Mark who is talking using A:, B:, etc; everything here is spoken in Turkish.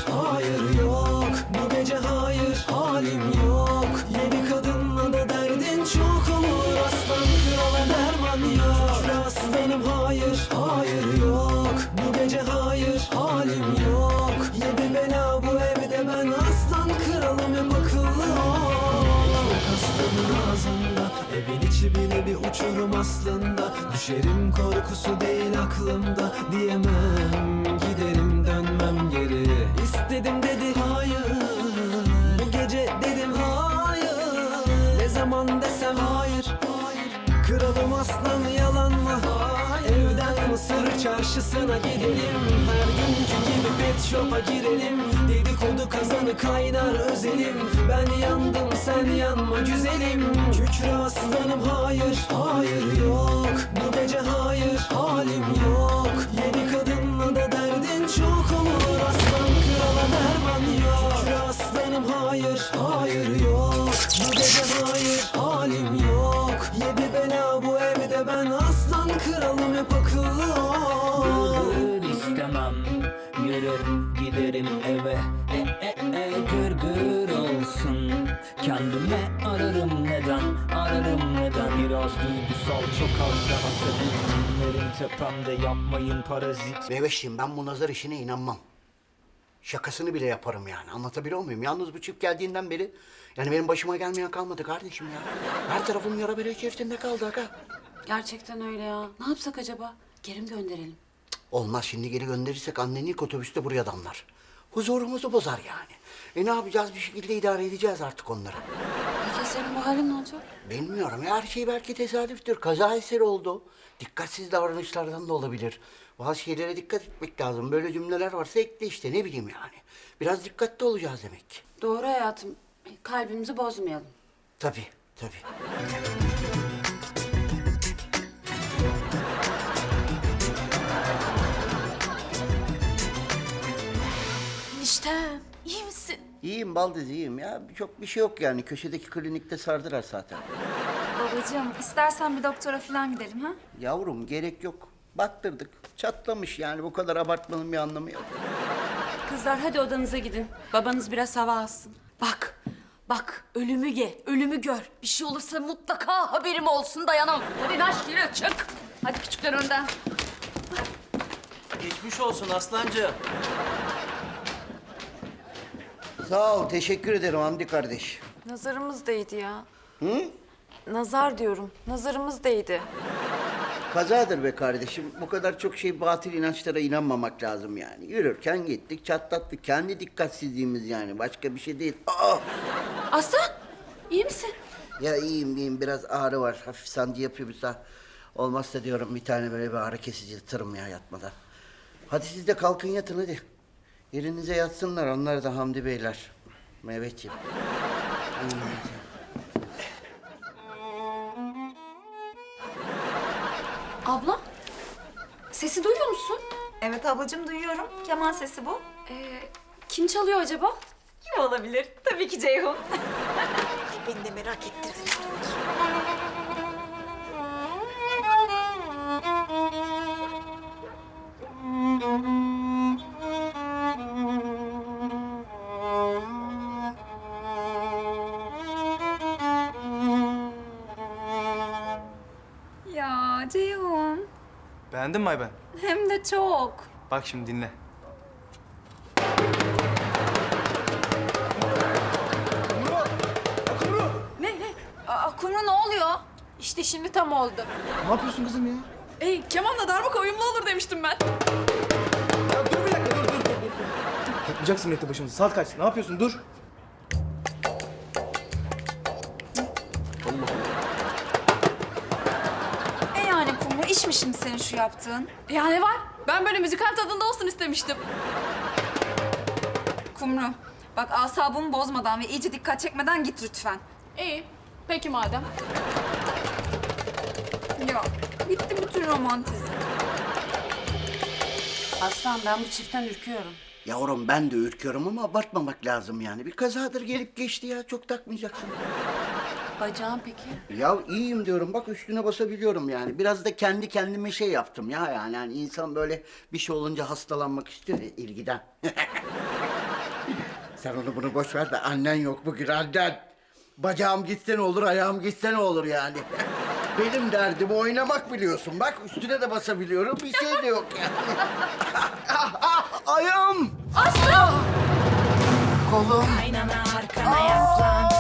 A: hayır yok. Bu gece hayır, halim yok. Yeni kadınla da derdin çok olur. Aslan krala derman yok. Şükür aslanım hayır, hayır yok. Bu gece hayır, halim yok. Yedi bela bu evde, ben aslan kralım, hep akıllı ol. Çok aslanın ağzında, evin içi bile bir uçurum aslında. Düşerim korkusu değil aklımda, diyemem giderim dönmem geri. İstedim dedi hayır, bu gece dedim hayır. Ne zaman desem hayır, kralım aslan yalan mı? Evden Mısır çarşısına gidelim, her günkü gibi pet shop'a girelim. Dedikodu kazanı kaynar özelim, ben yandım sen yanma güzelim. Kükre aslanım hayır, hayır yok. Bu gece hayır, halim yok. Yeni kadınla da derdin çok olur. Aslan krala derman yok. Kükre aslanım hayır, hayır yok. Bu gece hayır, halim yok. Yedi bela bu evde, ben aslan kralım, hep akıllı ol.
B: Gırgır istemem, yürür giderim eve. Gırgır olsun. Kendime ararım neden. Biraz duygusal, çok az da asabi. Günlerim tepemde, yapmayın parazit.
C: Meyveşciğim, ben bu nazar işine inanmam. Şakasını bile yaparım yani. Anlatabiliyor muyum? Yalnız bu çift geldiğinden beri yani benim başıma gelmeyen kalmadı kardeşim ya. Her tarafım yara bere içerisinde kaldı aga.
D: Gerçekten öyle ya. Ne yapsak acaba? Geri mi gönderelim?
C: Olmaz, şimdi geri gönderirsek annen ilk otobüste buraya damlar. Huzurumuzu bozar yani. Ne yapacağız, bir şekilde idare edeceğiz artık onları.
D: Peki senin bu halin ne olacak?
C: Bilmiyorum ya, her şey belki tesadüftür. Kaza eseri oldu. Dikkatsiz davranışlardan da olabilir. Bazı şeylere dikkat etmek lazım. Böyle cümleler varsa ekle işte, ne bileyim yani. Biraz dikkatli olacağız demek.
D: Doğru hayatım. Kalbimizi bozmayalım.
C: Tabii, tabii.
E: Eniştem, iyi misin?
C: İyiyim Baldız, iyiyim ya. Çok bir şey yok yani. Köşedeki klinikte sardılar zaten.
E: Babacığım, istersen bir doktora falan gidelim ha?
C: Yavrum, gerek yok. Baktırdık. Çatlamış yani. Bu kadar abartmanın bir anlamı yok.
D: Kızlar hadi odanıza gidin. Babanız biraz hava alsın.
E: Bak, ölümü ye, ölümü gör. Bir şey olursa mutlaka haberim olsun, dayanamam. Hadi naş yürü, çık. Hadi küçükler önden.
F: Geçmiş olsun aslancığım.
C: Sağ ol. Teşekkür ederim Hamdi kardeş.
G: Nazarımız değdi ya. Hı? Nazar diyorum. Nazarımız değdi.
C: Kazadır be kardeşim. Bu kadar çok batıl inançlara inanmamak lazım yani. Yürürken gittik, çatlattık. Kendi dikkatsizliğimiz yani. Başka bir şey değil. Aa!
D: Aslan iyi misin?
C: Ya iyiyim. Biraz ağrı var. Hafif sancı yapıyor bir sağ. Olmazsa diyorum bir tane böyle bir ağrı kesici tırsırım ya yatmadan. Hadi siz de kalkın yatın hadi. Yerinize yatsınlar onlar da Hamdi Beyler. Mehmetciğim.
E: Abla, sesi duyuyor musun?
H: Evet ablacığım, duyuyorum. Keman sesi bu.
E: Kim çalıyor acaba?
H: Kim olabilir? Tabii ki Ceyhun.
E: Beni de merak ettirdin.
H: Ya Ceyhun.
F: Beğendin mi Ayben?
H: Hem de çok.
F: Bak şimdi dinle.
E: Kumru ne oluyor?
G: İşte şimdi tam oldu.
F: Ne yapıyorsun kızım ya?
H: Kemanla darbuka uyumlu olur demiştim ben.
F: Ya dur bir dakika dur. Toplayacaksın millete başımızı. Saat kaç? Ne yapıyorsun? Dur.
E: Yani Kumru, iş mi şimdi senin şu yaptığın?
H: Ya ne var? Ben böyle müzikal tadında olsun istemiştim.
E: Kumru, bak asabımı bozmadan ve iyice dikkat çekmeden git lütfen.
H: İyi. Peki madem.
E: Ya, bitti bütün romantizm.
D: Aslan ben bu çiftten ürküyorum.
C: Yavrum ben de ürküyorum ama abartmamak lazım yani. Bir kazadır gelip geçti ya. Çok takmayacaksın.
D: Bacağın peki?
C: Ya iyiyim diyorum. Bak üstüne basabiliyorum yani. Biraz da kendi kendime şey yaptım ya yani. Hani insan böyle bir şey olunca hastalanmak istiyor ya ilgiden. Sen onu bunu boş ver de annen yok bugün, annen. Bacağım gitse ne olur, ayağım gitse ne olur yani. Benim derdim oynamak biliyorsun. Bak üstüne de basabiliyorum, bir şey de yok yani. Ayağım!
E: Aslı!
C: Kolum!
I: Aynana arkana yaslan.